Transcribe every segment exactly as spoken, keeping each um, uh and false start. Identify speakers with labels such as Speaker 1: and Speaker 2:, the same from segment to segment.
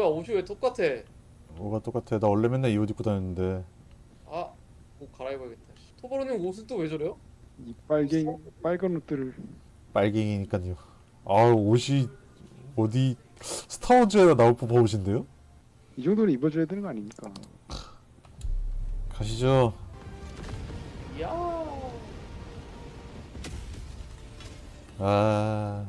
Speaker 1: 옷이 왜 똑같아?
Speaker 2: 뭐가 똑같아. 나 원래 맨날 이 옷 입고 다녔는데.
Speaker 1: 아, 옷 갈아입어야겠다. 토바로님 옷은 또 왜 저래요?
Speaker 3: 이 빨갱 빨간 옷들을
Speaker 2: 빨갱이니까요. 아 옷이 어디 스타워즈에 나올 법한 옷인데요?
Speaker 3: 이 정도는 입어줘야 되는 거 아닙니까?
Speaker 2: 가시죠.
Speaker 1: 이야.
Speaker 2: 아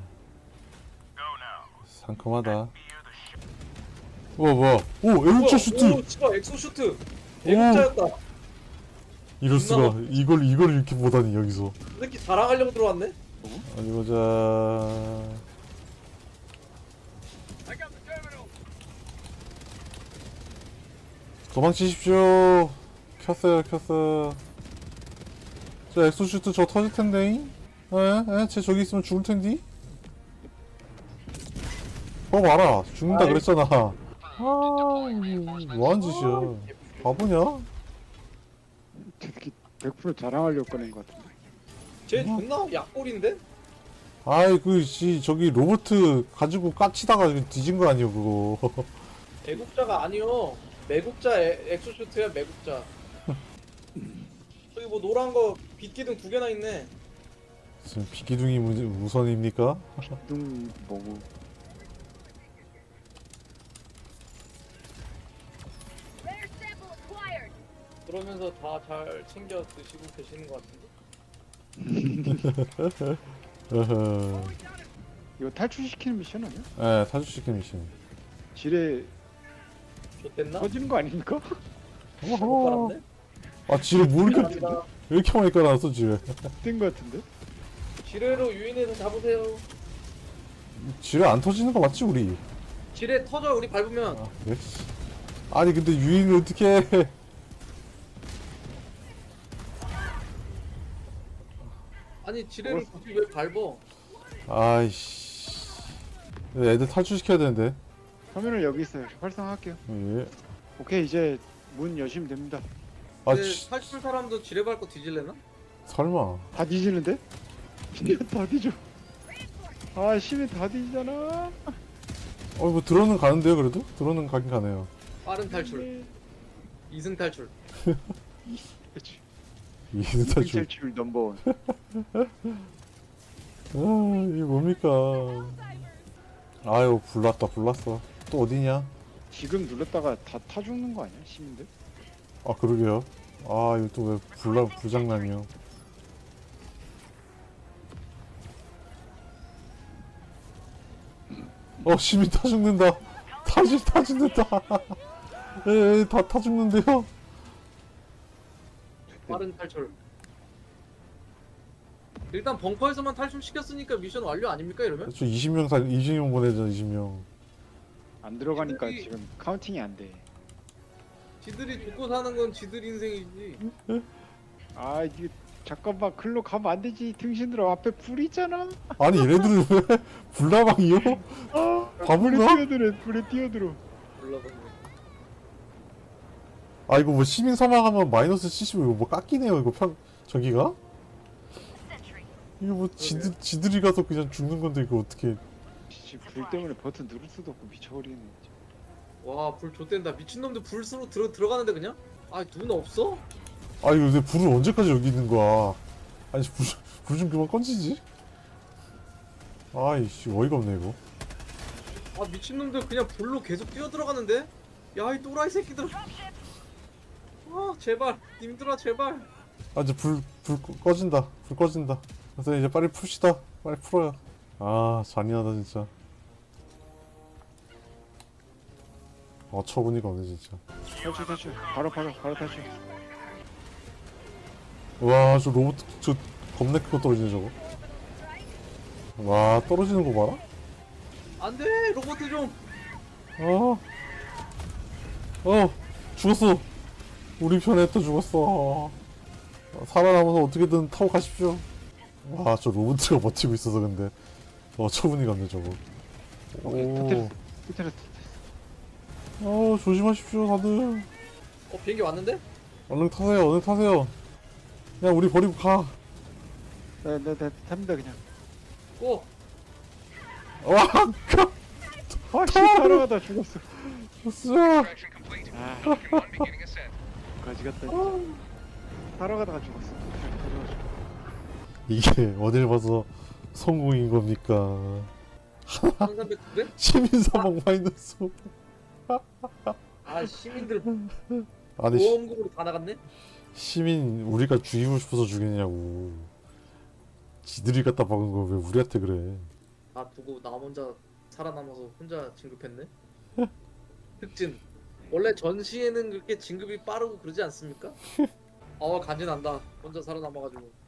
Speaker 2: 상큼하다. 우와 뭐야? 오 애국자 슈트.
Speaker 1: 오, 진짜 엑소 슈트. 애국자였다.
Speaker 2: 이럴 수가. 이걸 이걸 이렇게 보다니 여기서.
Speaker 1: 이 새끼 자랑하려고 들어왔네.
Speaker 2: 어디 보자. 도망치십시오. 켰어요, 켰어요. 저 엑소슈트 저 터질 텐데. 에? 에? 쟤 저기 있으면 죽을 텐디? 어, 봐라. 죽는다
Speaker 1: 아이.
Speaker 2: 그랬잖아. 아, 뭐하는 짓이야. 바보냐?
Speaker 3: 저 새끼 백 퍼센트 자랑하려고 꺼낸 것 같은데.
Speaker 1: 쟤 존나 약골인데?
Speaker 2: 아이, 그, 씨, 저기 로보트 가지고 까치다가 뒤진 거 아니야, 그거.
Speaker 1: 애국자가 아니요. 매국자 에, 엑소 슈트야 매국자. 저기 뭐 노란 거 빛기둥 두 개나 있네.
Speaker 2: 지금 비기둥이 무, 우선입니까?
Speaker 3: 뚱 뭐고
Speaker 4: Rare sample acquired.
Speaker 1: 그러면서 다 잘 챙겨 드시고 계시는 것 같은데.
Speaker 2: 어허.
Speaker 3: 이거 탈출시키는 미션 아니야?
Speaker 2: 에, 사주시킨 미션.
Speaker 3: 지뢰
Speaker 1: 좋댔나?
Speaker 3: 터지는 거 아닙니까?
Speaker 1: 못
Speaker 2: 어허.
Speaker 1: 깔았네.
Speaker 2: 아, 지뢰 뭐 이렇게,
Speaker 1: 감사합니다.
Speaker 2: 왜 이렇게 많이 깔아놨어, 지뢰.
Speaker 3: 뗀 거 같은데?
Speaker 1: 지뢰로 유인해서 잡으세요.
Speaker 2: 지뢰 안 터지는 거 맞지, 우리?
Speaker 1: 지뢰 터져 우리 밟으면.
Speaker 2: 아, 그래? 아니, 근데 유인을 어떻게 해?
Speaker 1: 아니 지뢰를 굳이 왜 밟어?
Speaker 2: 아이씨. 애들 탈출시켜야 되는데.
Speaker 3: 화면을 여기 있어요. 활성화할게요.
Speaker 2: 예.
Speaker 3: 오케이 이제 문 여시면 됩니다.
Speaker 2: 아,
Speaker 1: 근데
Speaker 2: 치,
Speaker 1: 탈출 사람도 지뢰 밟고 뒤질래나?
Speaker 2: 설마.
Speaker 3: 다 뒤지는데? 진짜 다 뒤져. 아 심해 다 뒤지잖아.
Speaker 2: 어, 뭐, 드론은 가는데요, 그래도? 드론은 가긴 가네요.
Speaker 1: 빠른 탈출. 이승 탈출.
Speaker 3: 그렇지.
Speaker 2: 이는 탈출.
Speaker 3: 탈출 넘버원.
Speaker 2: 아, 이게 뭡니까. 아유, 불났다, 불났어. 또 어디냐?
Speaker 3: 지금 눌렀다가 다 타 죽는 거 아니야 시민들?
Speaker 2: 아, 그러게요. 아, 이거 또 왜 불나, 불장난이요. 어, 시민 타 죽는다. 타지, 타 죽는다. 에, 에, 다 타 죽는데요?
Speaker 1: 빠른 탈출. 일단 벙커에서만 탈출시켰으니까 미션 완료 아닙니까 이러면?
Speaker 2: 저 이십 명 살, 이십 명 보내자, 이십 명.
Speaker 3: 안 들어가니까
Speaker 1: 지들이-
Speaker 3: 지금 카운팅이 안 돼.
Speaker 1: 지들이 죽고 사는 건 지들 인생이지.
Speaker 3: 아 이게 잠깐만 글로 가면 안 되지. 등신들아 앞에 불 있잖아.
Speaker 2: 아니, 얘네들은 왜 불나방이요?
Speaker 3: 아 불에
Speaker 2: 바본가?
Speaker 3: 뛰어들어. 불에 뛰어들어.
Speaker 1: 몰라봤네.
Speaker 2: 아, 이거 뭐 시민 사망하면 마이너스 칠십, 이거 뭐 깎이네요, 이거 평, 저기가? 이거 뭐 지들, 지들이 가서 그냥 죽는 건데, 이거 어떻게.
Speaker 3: 씨, 불 때문에 버튼 누를 수도 없고 미쳐버리네.
Speaker 1: 와불 좆된다. 미친놈들 불 쓰러 들어 들어가는데 그냥? 아 눈 없어?
Speaker 2: 아, 이거 근데 불을 언제까지 여기 있는 거야? 아니, 불, 불 좀 그만 꺼지지? 아이씨, 어이가 없네, 이거.
Speaker 1: 아 미친놈들 그냥 불로 계속 뛰어 들어가는데? 야 이 또라이 새끼들. 아 제발 님들아 제발.
Speaker 2: 아, 이제 불, 불 꺼- 꺼진다. 불 꺼진다. 그래서 이제 빨리 풉시다. 빨리 풀어요. 아, 잔인하다, 진짜. 어처구니가 없네, 진짜.
Speaker 3: 탈출 탈출. 바로 바로 바로 탈출.
Speaker 2: 와, 저 로봇, 저 겁나 크고 떨어지네, 저거. 와, 떨어지는 거 봐라?
Speaker 1: 안돼 로봇 좀.
Speaker 2: 어. 어, 죽었어. 우리 편에 또 죽었어. 어, 살아남아서 어떻게든 타고 가십시오. 와, 저 로봇가 버티고 있어서 근데. 어처구니가 없네, 저거.
Speaker 3: 오케이
Speaker 2: 오.
Speaker 3: 터뜨렸어. 터뜨렸어.
Speaker 2: 어, 조심하십시오, 다들.
Speaker 1: 어 비행기 왔는데?
Speaker 2: 얼른 타세요, 얼른 타세요. 그냥 우리 버리고 가.
Speaker 3: 네네네 탑니다 그냥.
Speaker 1: 고.
Speaker 2: 와,
Speaker 3: 아씨 살아가다 죽었어.
Speaker 2: 으쌰.
Speaker 3: 아 가지 같다 진짜. 살아가다가 죽었어. 가져가지고.
Speaker 2: 이게 어딜 봐서 성공인 겁니까?
Speaker 1: 천삼백 두 배?
Speaker 2: 시민 사망 마이너스.
Speaker 1: 아 시민들
Speaker 2: 아니 시,
Speaker 1: 보험금으로 다 나갔네?
Speaker 2: 시민 우리가 죽이고 싶어서 죽이냐고. 지들이 갖다 박은 거 왜 우리한테 그래?
Speaker 1: 아 두고 나 혼자 살아남아서 혼자 진급했네? 흑진 원래 전시에는 그렇게 진급이 빠르고 그러지 않습니까? 어 간지난다 혼자 살아남아가지고